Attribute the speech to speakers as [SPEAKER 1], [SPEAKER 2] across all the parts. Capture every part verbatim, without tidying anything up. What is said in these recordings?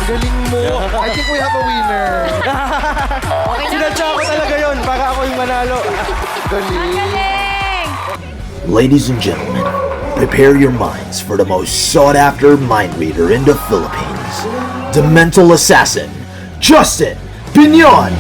[SPEAKER 1] Galing mo. I think we have a winner.
[SPEAKER 2] Sinadya ko talaga yun para ako yung manalo.
[SPEAKER 1] Galing.
[SPEAKER 3] Galing!
[SPEAKER 4] Ladies and gentlemen, prepare your minds for the most sought-after mind reader in the Philippines, the mental assassin, Justin Piñon!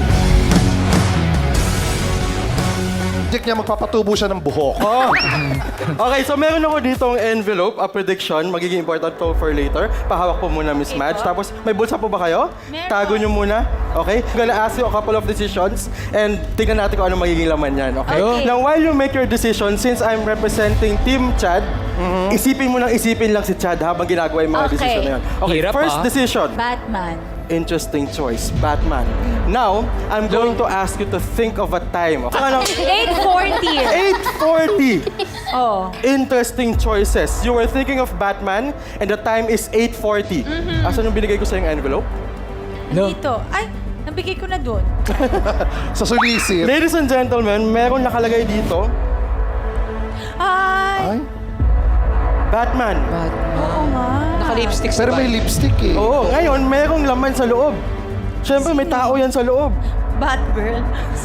[SPEAKER 1] Project niya, magpapatubo siya ng buhok.
[SPEAKER 2] Oh. Okay, so meron ako ditong envelope, a prediction, magiging important to for later. Pahawak po muna, Miss Madge. Tapos, may bulsa po ba kayo?
[SPEAKER 3] Meron.
[SPEAKER 2] Tago nyo muna. Okay? I'm gonna ask you a couple of decisions and tingnan natin kung ano magiging laman yan. Okay?
[SPEAKER 3] Okay.
[SPEAKER 2] Now, while you make your decision, since I'm representing Team Chad, isipin mo nang isipin lang si Chad habang ginagawa yung mga
[SPEAKER 3] Okay.
[SPEAKER 2] decision na yan. Okay,
[SPEAKER 5] Hirap,
[SPEAKER 2] first
[SPEAKER 5] ah.
[SPEAKER 2] decision.
[SPEAKER 3] Batman.
[SPEAKER 2] Interesting choice, Batman. Now, I'm going to ask you to think of a time. Okay? Ano?
[SPEAKER 3] eight forty.
[SPEAKER 2] eight forty.
[SPEAKER 3] Oh.
[SPEAKER 2] Interesting choices. You were thinking of Batman and the time is eight forty. Asan yung binigay ko sa yung envelope?
[SPEAKER 5] No.
[SPEAKER 3] Dito. Ay, nabigay ko na doon.
[SPEAKER 1] Sa sulisit.
[SPEAKER 2] Ladies and gentlemen, meron nakalagay dito,
[SPEAKER 3] Ay.
[SPEAKER 1] Ay,
[SPEAKER 2] Batman.
[SPEAKER 3] Oo nga.
[SPEAKER 5] Naka-lipstick
[SPEAKER 1] pero may lipstick eh.
[SPEAKER 2] Oo, ngayon merong laman sa loob. Siyempre, may tao yan sa loob.
[SPEAKER 3] Batgirl.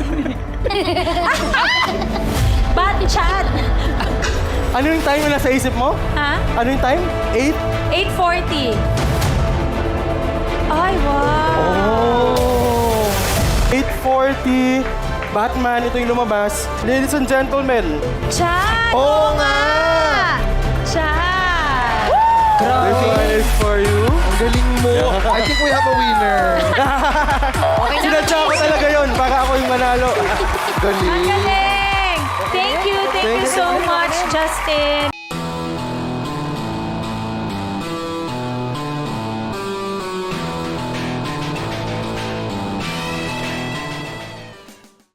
[SPEAKER 3] Batchat.
[SPEAKER 2] Ano yung time na nasa isip mo?
[SPEAKER 3] Ha?
[SPEAKER 2] Ano yung time? eight?
[SPEAKER 3] eight forty. Ay, wow.
[SPEAKER 2] Oh. eight forty. Batman, ito yung lumabas. Ladies and gentlemen,
[SPEAKER 3] Chat.
[SPEAKER 2] Oo nga!
[SPEAKER 3] Chat.
[SPEAKER 2] this one is for you.
[SPEAKER 1] Ang galing mo. I think we have a winner.
[SPEAKER 2] Sinadya ko talaga yun para ako yung manalo.
[SPEAKER 3] Ang
[SPEAKER 1] Galing.
[SPEAKER 3] galing. Thank you. Thank you so much, Justin.